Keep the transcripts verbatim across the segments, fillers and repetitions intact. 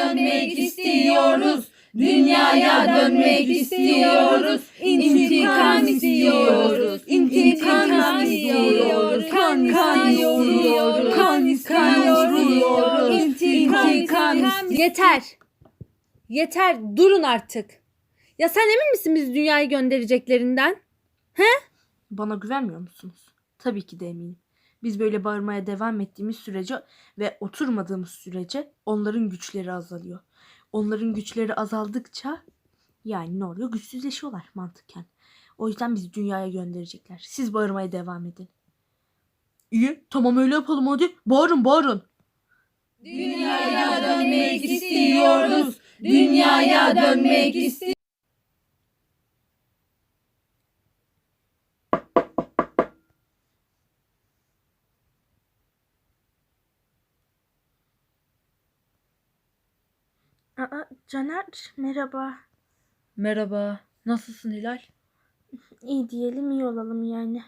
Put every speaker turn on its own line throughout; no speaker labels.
dönmek istiyoruz. Dünyaya dönmek istiyoruz. İntikam istiyoruz. İntikam istiyoruz. Kan istiyoruz. Kan istiyoruz. İntikam istiyoruz.
Yeter. Yeter. Durun artık. Ya sen emin misin bizi dünyaya göndereceklerinden?
Bana güvenmiyor musunuz? Tabii ki de eminim. Biz böyle bağırmaya devam ettiğimiz sürece ve oturmadığımız sürece onların güçleri azalıyor. Onların güçleri azaldıkça yani ne oluyor? Güçsüzleşiyorlar mantıken. O yüzden bizi dünyaya gönderecekler. Siz bağırmaya devam edin. İyi, tamam öyle yapalım hadi. Bağırın bağırın.
Dünyaya dönmek istiyoruz. Dünyaya dönmek istiyoruz.
Aa, Caner merhaba.
Merhaba. Nasılsın Hilal?
İyi diyelim iyi olalım yani.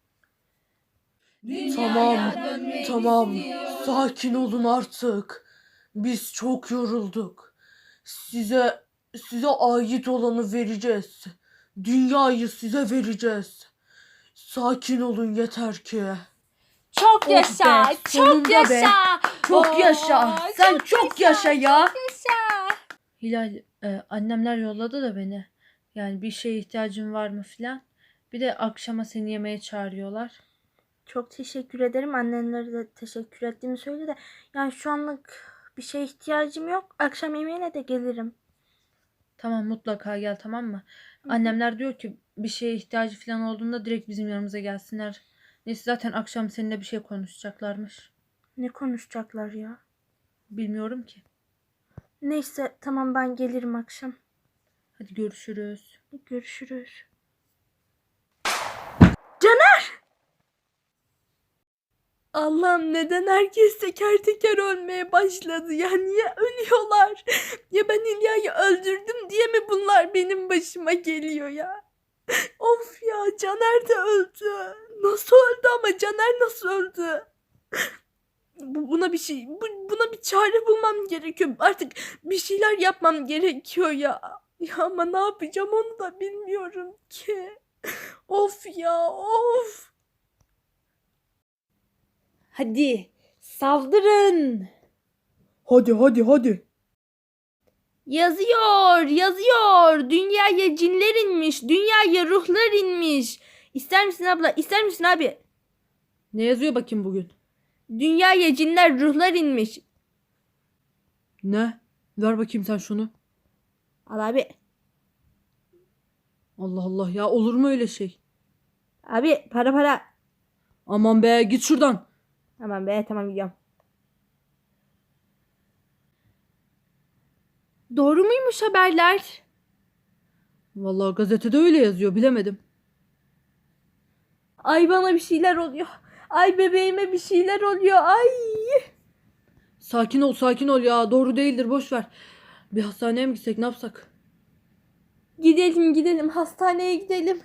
Tamam,
Tamam, sakin olun artık. Biz çok yorulduk. Size size ait olanı vereceğiz. Dünyayı size vereceğiz. Sakin olun yeter ki.
Çok
Oh
yaşa.
be,
çok
sonunda
yaşa.
be. Çok yaşa.
Oo,
Sen çok yaşa ya.
Hilal, e, annemler yolladı da beni. Yani bir şeye ihtiyacın var mı filan. Bir de akşama seni yemeğe çağırıyorlar.
Çok teşekkür ederim. Annenlere de teşekkür ettiğimi söyle de. Yani şu anlık bir şeye ihtiyacım yok. Akşam yemeğine de gelirim.
Tamam, mutlaka gel, tamam mı? Annemler diyor ki bir şeye ihtiyacı falan olduğunda direkt bizim yanımıza gelsinler. Neyse, zaten akşam seninle bir şey konuşacaklarmış.
Ne konuşacaklar ya?
Bilmiyorum ki.
Neyse tamam ben gelirim akşam.
Hadi görüşürüz.
Görüşürüz.
Allah'ım neden herkes teker teker ölmeye başladı ya? Niye ölüyorlar? Ya ben İlya'yı öldürdüm diye mi bunlar benim başıma geliyor ya? Of ya, Caner de öldü. Nasıl öldü ama Caner nasıl öldü? Bu, buna bir şey bu- buna bir çare bulmam gerekiyor. Artık bir şeyler yapmam gerekiyor ya. Ya ama ne yapacağım onu da bilmiyorum ki. Of ya of.
Hadi saldırın.
Hadi hadi hadi.
Yazıyor, yazıyor. Dünyaya cinler inmiş, dünyaya ruhlar inmiş. İster misin abla? İster misin abi?
Ne yazıyor bakayım bugün?
Dünyaya cinler, ruhlar inmiş.
Ne? Ver bakayım sen şunu.
Al abi.
Allah Allah ya, olur mu öyle şey?
Abi para para.
Aman be, git şuradan.
Tamam be, tamam gidiyorum. Doğru muymuş haberler?
Vallahi gazetede öyle yazıyor, bilemedim.
Ay bana bir şeyler oluyor. Ay bebeğime bir şeyler oluyor. Ay.
Sakin ol sakin ol ya, doğru değildir, boş ver. Bir hastaneye mi gitsek, ne yapsak?
Gidelim gidelim hastaneye gidelim.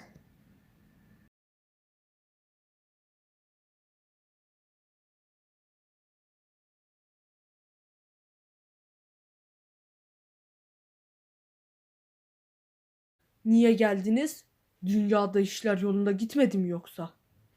Niye geldiniz? Dünyada işler yolunda gitmedi mi yoksa?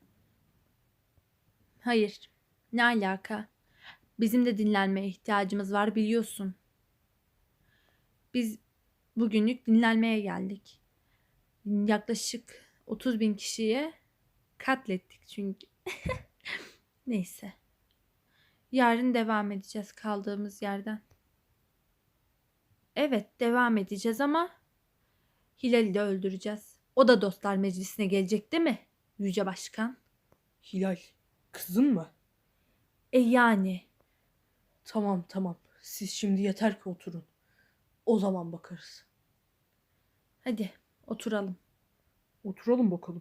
Hayır. Ne alaka? Bizim de dinlenmeye ihtiyacımız var, biliyorsun. Biz bugünlük dinlenmeye geldik. Yaklaşık otuz bin kişiye katlettik çünkü. Neyse. Yarın devam edeceğiz kaldığımız yerden. Evet, devam edeceğiz ama Hilal'i de öldüreceğiz. O da dostlar meclisine gelecek değil mi? Yüce Başkan.
Hilal, kızın mı?
E yani.
Tamam tamam. Siz şimdi yeter ki oturun. O zaman bakarız.
Hadi oturalım.
Oturalım bakalım.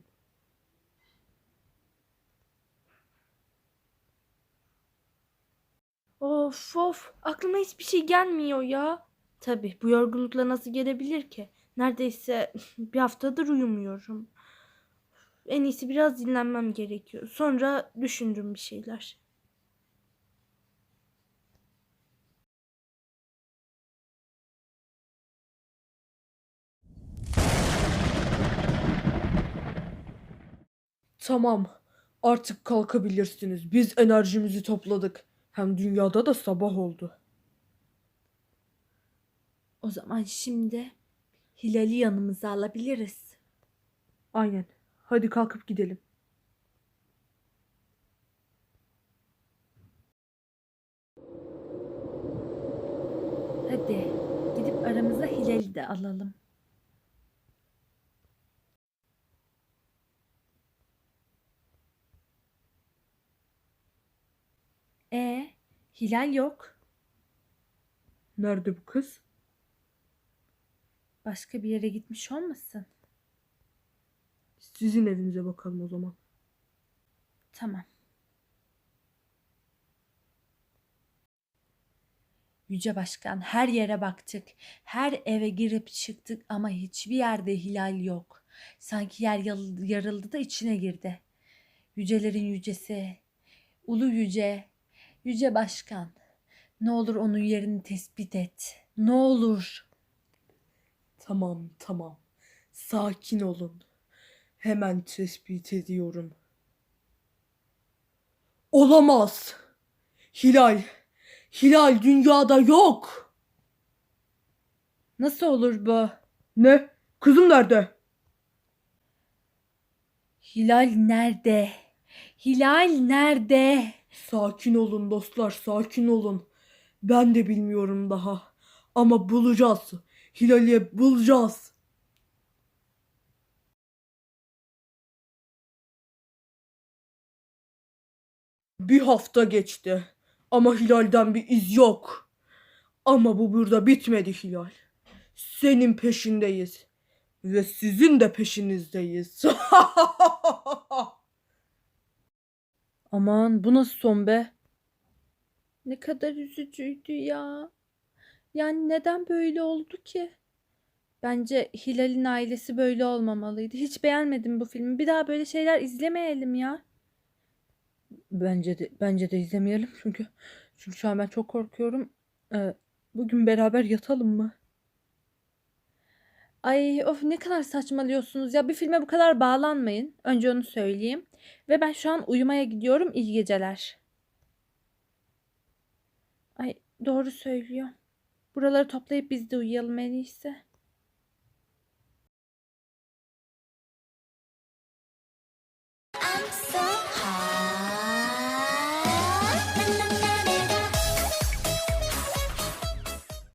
Of of aklıma hiçbir şey gelmiyor ya. Tabii bu yorgunlukla nasıl gelebilir ki? Neredeyse bir haftadır uyumuyorum. En iyisi biraz dinlenmem gerekiyor. Sonra düşünürüm bir şeyler. Tamam. Artık kalkabilirsiniz. Biz enerjimizi topladık. Hem dünyada da sabah oldu.
O zaman şimdi Hilal'i yanımıza alabiliriz.
Aynen. Hadi kalkıp gidelim.
Hadi gidip aramıza Hilal'i de alalım. E Hilal yok.
Nerede bu kız?
Başka bir yere gitmiş olmasın?
Sizin evinize bakalım o zaman.
Tamam. Yüce Başkan, her yere baktık. Her eve girip çıktık ama hiçbir yerde Hilal yok. Sanki yer yal- yarıldı da içine girdi. Yücelerin yücesi, ulu yüce, Yüce Başkan. Ne olur onun yerini tespit et. Ne olur.
Tamam, tamam. Sakin olun. Hemen tespit ediyorum. Olamaz. Hilal. Hilal dünyada yok.
Nasıl olur bu?
Ne? Kızım nerede?
Hilal nerede? Hilal nerede?
Sakin olun dostlar, sakin olun. Ben de bilmiyorum daha. Ama bulacağız. Hilal'i bulacağız. Bir hafta geçti. Ama Hilal'den bir iz yok. Ama bu burada bitmedi Hilal. Senin peşindeyiz. Ve sizin de peşinizdeyiz.
Aman bu nasıl son be?
Ne kadar üzücüydü ya. Yani neden böyle oldu ki? Bence Hilal'in ailesi böyle olmamalıydı. Hiç beğenmedim bu filmi. Bir daha böyle şeyler izlemeyelim ya.
Bence de bence de izlemeyelim çünkü çünkü şu an ben çok korkuyorum. Ee, bugün beraber yatalım mı?
Ay of ne kadar saçmalıyorsunuz ya. Bir filme bu kadar bağlanmayın. Önce onu söyleyeyim. Ve ben şu an uyumaya gidiyorum. İyi geceler. Ay doğru söylüyor. Buraları toplayıp biz de uyuyalım en iyisi.